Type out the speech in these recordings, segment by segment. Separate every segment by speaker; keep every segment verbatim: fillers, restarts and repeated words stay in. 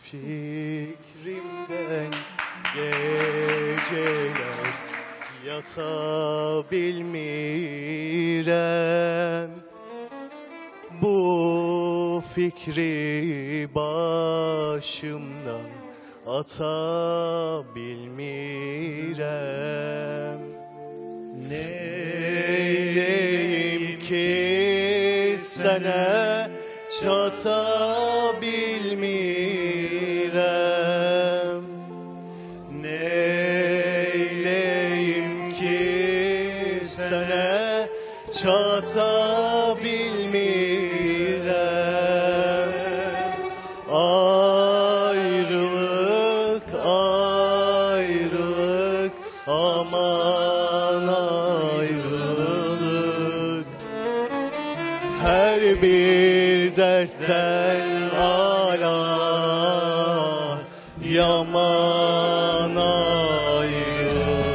Speaker 1: Fikrimden geceler yatabilmirem. Bu fikri başımdan atabilmirem. Neyleyim ki sana çatabilmirem. Neyleyim ki sana çatabilmirem. Ayrılık, ayrılık, aman ayrılık. Her bir dertten ala yaman ayrılık.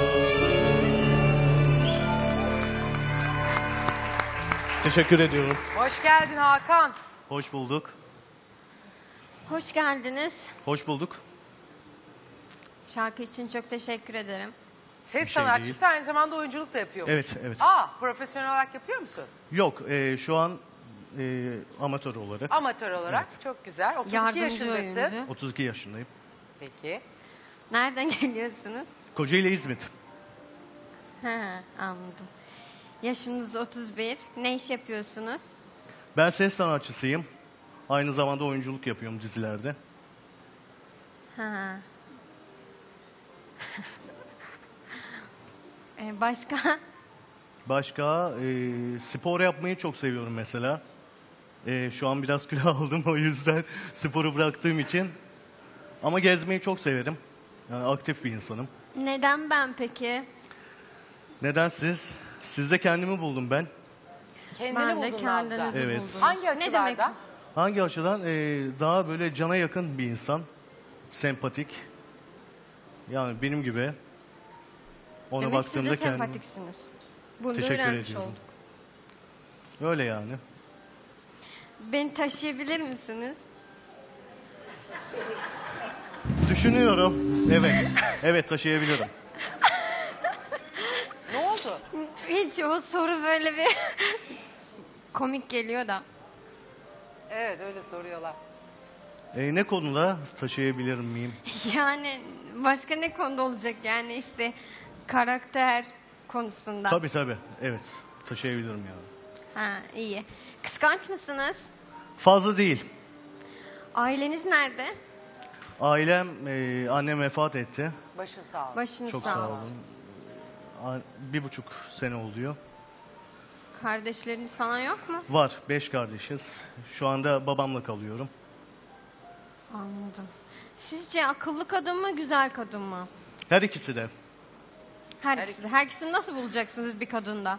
Speaker 1: Teşekkür ediyorum.
Speaker 2: Hoş geldin Hakan.
Speaker 1: Hoş bulduk.
Speaker 3: Hoş geldiniz.
Speaker 1: Hoş bulduk.
Speaker 3: Şarkı için çok teşekkür ederim.
Speaker 2: Ses
Speaker 1: Bir şey
Speaker 2: sanatçısı
Speaker 1: değil.
Speaker 2: aynı zamanda oyunculuk da yapıyor.
Speaker 1: Evet, evet.
Speaker 2: Aa, profesyonel olarak yapıyor musun?
Speaker 1: Yok, e, şu an e, amatör olarak.
Speaker 2: Amatör olarak.
Speaker 1: Evet.
Speaker 2: Çok güzel. otuz iki
Speaker 3: Yardımcı
Speaker 2: yaşındasın.
Speaker 3: oyuncu.
Speaker 1: otuz iki yaşındayım.
Speaker 2: Peki.
Speaker 3: Nereden geliyorsunuz?
Speaker 1: Kocaeli İzmit.
Speaker 3: Ha, anladım. Yaşınız otuz bir. Ne iş yapıyorsunuz?
Speaker 1: Ben ses sanatçısıyım. Aynı zamanda oyunculuk yapıyorum dizilerde.
Speaker 3: Ha. Ee, başka?
Speaker 1: Başka e, spor yapmayı çok seviyorum mesela. E, şu an biraz kilo aldım, o yüzden sporu bıraktığım için. Ama gezmeyi çok severim. Yani aktif bir insanım.
Speaker 3: Neden ben peki?
Speaker 1: Neden siz? Sizde kendimi buldum ben.
Speaker 2: Kendini
Speaker 3: Ben de
Speaker 2: buldun
Speaker 3: kendinizi
Speaker 2: Nazlı.
Speaker 1: Evet.
Speaker 3: buldum.
Speaker 2: Hangi
Speaker 3: Ne demek?
Speaker 2: açılardan?
Speaker 1: Hangi açıdan? E, daha böyle cana yakın bir insan. Sempatik. Yani benim gibi. Ona
Speaker 3: Demek siz
Speaker 1: baktığımda
Speaker 3: de
Speaker 1: kendimi...
Speaker 3: sempatiksiniz. Bunu da
Speaker 1: Teşekkür
Speaker 3: öğrenmiş
Speaker 1: ediyorum.
Speaker 3: olduk.
Speaker 1: Öyle yani.
Speaker 3: Beni taşıyabilir misiniz?
Speaker 1: Düşünüyorum. Evet. Evet, taşıyabilirim.
Speaker 2: Ne oldu?
Speaker 3: Hiç o soru böyle bir komik geliyor da.
Speaker 2: Evet, öyle soruyorlar.
Speaker 1: E, ne konuda taşıyabilir miyim?
Speaker 3: Yani başka ne konuda olacak yani işte karakter konusunda.
Speaker 1: Tabii tabii. Evet. Taşıyabilirim yani.
Speaker 3: Ha, iyi. Kıskanç mısınız?
Speaker 1: Fazla değil.
Speaker 3: Aileniz nerede?
Speaker 1: Ailem, e, annem vefat etti.
Speaker 2: Başın sağ ol.
Speaker 3: Başınız
Speaker 1: Çok
Speaker 3: sağ
Speaker 1: sağ
Speaker 3: olsun.
Speaker 1: olun. A- Bir buçuk sene oluyor.
Speaker 3: Kardeşleriniz falan yok mu?
Speaker 1: Var. Beş kardeşiz. Şu anda babamla kalıyorum.
Speaker 3: Anladım. Sizce akıllı kadın mı, güzel kadın mı?
Speaker 1: Her ikisi de.
Speaker 3: Her,
Speaker 2: Her
Speaker 3: ikisi de. Her ikisini nasıl bulacaksınız bir kadında?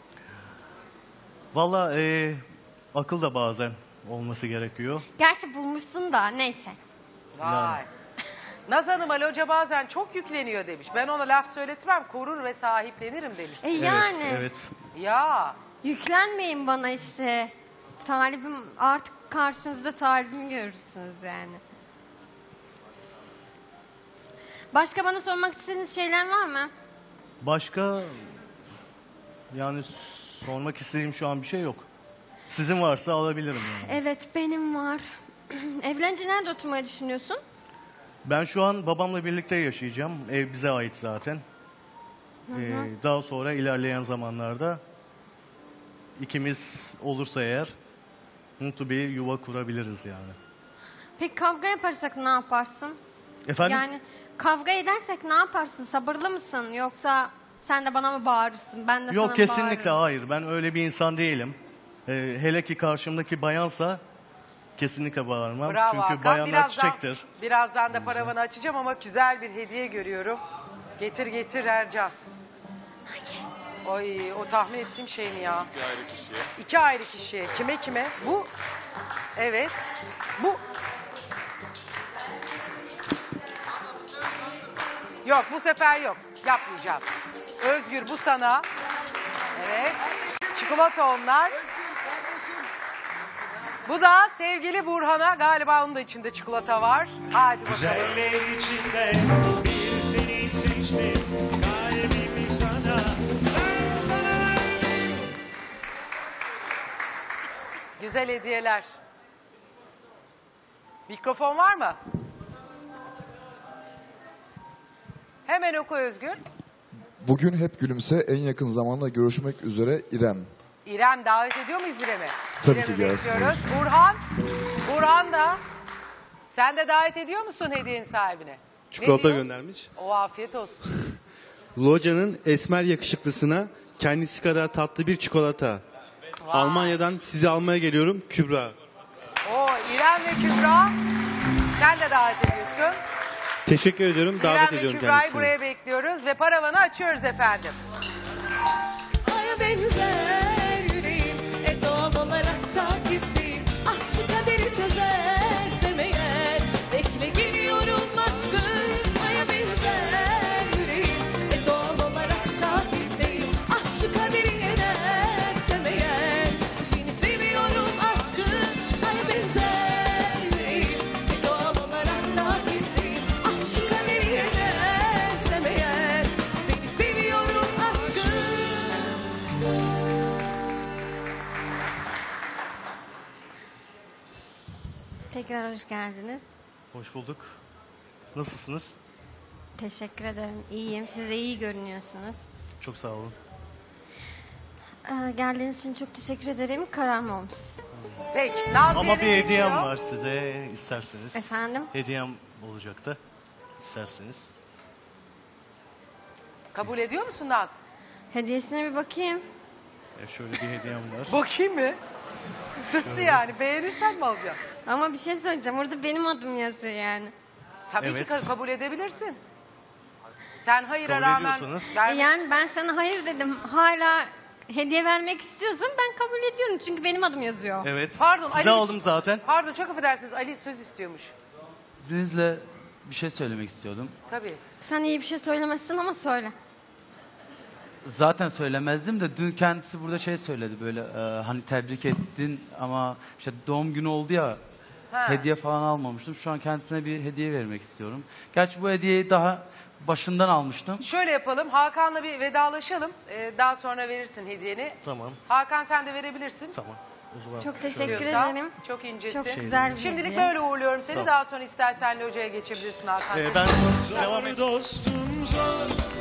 Speaker 1: Valla e, akıl da bazen olması gerekiyor.
Speaker 3: Gerçi bulmuşsun da neyse.
Speaker 2: Vay.
Speaker 1: Yani.
Speaker 2: Naz Hanım Ali Hoca bazen çok yükleniyor demiş. Ben ona laf söyletmem, korur ve sahiplenirim demiş.
Speaker 3: E yani
Speaker 1: Evet. Evet.
Speaker 2: Ya
Speaker 3: yüklenmeyin bana işte. Talibim artık karşınızda talibimi görürsünüz yani. Başka bana sormak istediğiniz şeyler var mı?
Speaker 1: Başka yani sormak istediğim şu an bir şey yok. Sizin varsa alabilirim yani.
Speaker 3: Evet benim var. Evlenince nerede oturmayı düşünüyorsun?
Speaker 1: Ben şu an babamla birlikte yaşayacağım. Ev bize ait zaten.
Speaker 3: Hı hı.
Speaker 1: Ee, daha sonra ilerleyen zamanlarda ikimiz olursa eğer mutlu bir yuva kurabiliriz yani.
Speaker 3: Peki kavga yaparsak ne yaparsın?
Speaker 1: Efendim?
Speaker 3: Yani kavga edersek ne yaparsın? Sabırlı mısın? Yoksa sen de bana mı bağırırsın? Ben de sana
Speaker 1: Yok,
Speaker 3: mı
Speaker 1: kesinlikle
Speaker 3: bağırırım?
Speaker 1: hayır. Ben öyle bir insan değilim. Ee, hele ki karşımdaki bayansa kesinlikle bağırmam.
Speaker 2: bravo
Speaker 1: Çünkü
Speaker 2: Hakan.
Speaker 1: bayanlar
Speaker 2: Birazdan,
Speaker 1: çiçektir.
Speaker 2: birazdan da paravanı açacağım ama güzel bir hediye görüyorum. Getir getir Ercan. Oy, o tahmin ettiğim şey mi ya?
Speaker 4: İki ayrı kişiye.
Speaker 2: İki ayrı kişiye. Kime kime? Bu. Evet. Bu. Yok, bu sefer yok. Yapmayacağız. Özgür, bu sana. Evet. Çikolata onlar. Bu da sevgili Burhan'a, galiba onun da içinde çikolata var. Hadi bakalım.
Speaker 4: Güzeller içinde bir seni seçtim. Kalbimi sana, ben sana verdim.
Speaker 2: Güzel hediyeler. Mikrofon var mı? Hemen oku Özgür.
Speaker 5: Bugün hep gülümse, en yakın zamanda görüşmek üzere İrem.
Speaker 2: İrem, davet ediyor muyuz İrem'i?
Speaker 5: Tabii
Speaker 2: İrem'i
Speaker 5: ki gelsin.
Speaker 2: bekliyoruz. Burhan, Burhan da. Sen de davet ediyor musun hediyenin sahibine?
Speaker 6: Çikolata
Speaker 2: Ne diyor?
Speaker 6: göndermiş.
Speaker 2: O afiyet olsun.
Speaker 6: Loca'nın esmer yakışıklısına kendisi kadar tatlı bir çikolata.
Speaker 2: Vay.
Speaker 6: Almanya'dan sizi almaya geliyorum Kübra.
Speaker 2: O İrem ve Kübra, sen de davet ediyorsun.
Speaker 6: Teşekkür ediyorum. Davet
Speaker 2: İrem ve
Speaker 6: ediyorum
Speaker 2: Kübra'yı
Speaker 6: kendisini.
Speaker 2: buraya bekliyoruz ve paravanı açıyoruz efendim.
Speaker 7: Aya benzer yüreğim, e doğal olarak takipteyim. Aşk kaderi çözersem eğer, bekle geliyorum aşkım. Aya benzer yüreğim, e doğal olarak takipteyim. Aşk kaderi yenersem eğer, seni seviyorum aşkım. Aya benzer yüreğim, e doğal olarak takipteyim. Aşk kaderi yenersem eğer, seni seviyorum aşkım.
Speaker 3: Tekrar hoş geldiniz.
Speaker 1: Hoş bulduk. Nasılsınız?
Speaker 3: Teşekkür ederim. İyiyim. Siz de iyi görünüyorsunuz.
Speaker 1: Çok sağ olun.
Speaker 3: Ee, geldiğiniz için çok teşekkür ederim. Kararım olmuş.
Speaker 2: Peki. Nazlı
Speaker 1: Ama bir
Speaker 2: yerine
Speaker 1: hediyem
Speaker 2: geçiyor.
Speaker 1: var size isterseniz.
Speaker 3: Efendim?
Speaker 1: Hediyem olacaktı. İsterseniz.
Speaker 2: Kabul ediyor musun Naz?
Speaker 3: Hediyesine bir bakayım.
Speaker 1: E, şöyle bir hediyem var.
Speaker 2: Bakayım mı? Nasıl yani? Beğenirsen mi alacaksın?
Speaker 3: Ama bir şey söyleyeceğim. Orada benim adım yazıyor yani.
Speaker 2: Tabii
Speaker 1: Evet.
Speaker 2: ki ka- kabul edebilirsin. Sen hayıra
Speaker 1: Kabul
Speaker 2: rağmen
Speaker 1: ediyorsanız.
Speaker 3: E
Speaker 2: vermek-
Speaker 3: yani ben sana hayır dedim. Hala hediye vermek istiyorsun. Ben kabul ediyorum. Çünkü benim adım yazıyor.
Speaker 1: Evet.
Speaker 2: Pardon,
Speaker 1: Size
Speaker 2: Ali-
Speaker 1: aldım zaten.
Speaker 2: Pardon, çok affedersiniz, Ali söz istiyormuş.
Speaker 8: İzninizle bir şey söylemek istiyordum.
Speaker 2: Tabii.
Speaker 3: Sen iyi bir şey söylemezsin ama söyle.
Speaker 8: Zaten söylemezdim de dün kendisi burada şey söyledi böyle e, hani tebrik ettin ama işte doğum günü oldu ya
Speaker 2: Ha.
Speaker 8: hediye falan almamıştım. Şu an kendisine bir hediye vermek istiyorum. Gerçi bu hediyeyi daha başından almıştım.
Speaker 2: Şöyle yapalım, Hakan'la bir vedalaşalım. Ee, daha sonra verirsin hediyeni.
Speaker 1: Tamam.
Speaker 2: Hakan, sen de verebilirsin.
Speaker 1: Tamam. O zaman
Speaker 3: Çok
Speaker 1: şöyle-
Speaker 3: teşekkür
Speaker 2: Diyorsa.
Speaker 3: ederim.
Speaker 2: Çok incesin.
Speaker 3: Çok güzel bir
Speaker 2: Şimdilik
Speaker 3: hediye.
Speaker 2: böyle uğurluyorum seni.
Speaker 1: Tamam.
Speaker 2: Daha sonra istersen locaya geçebilirsin Hakan.
Speaker 1: E, ben devam
Speaker 4: Zor dostum zor,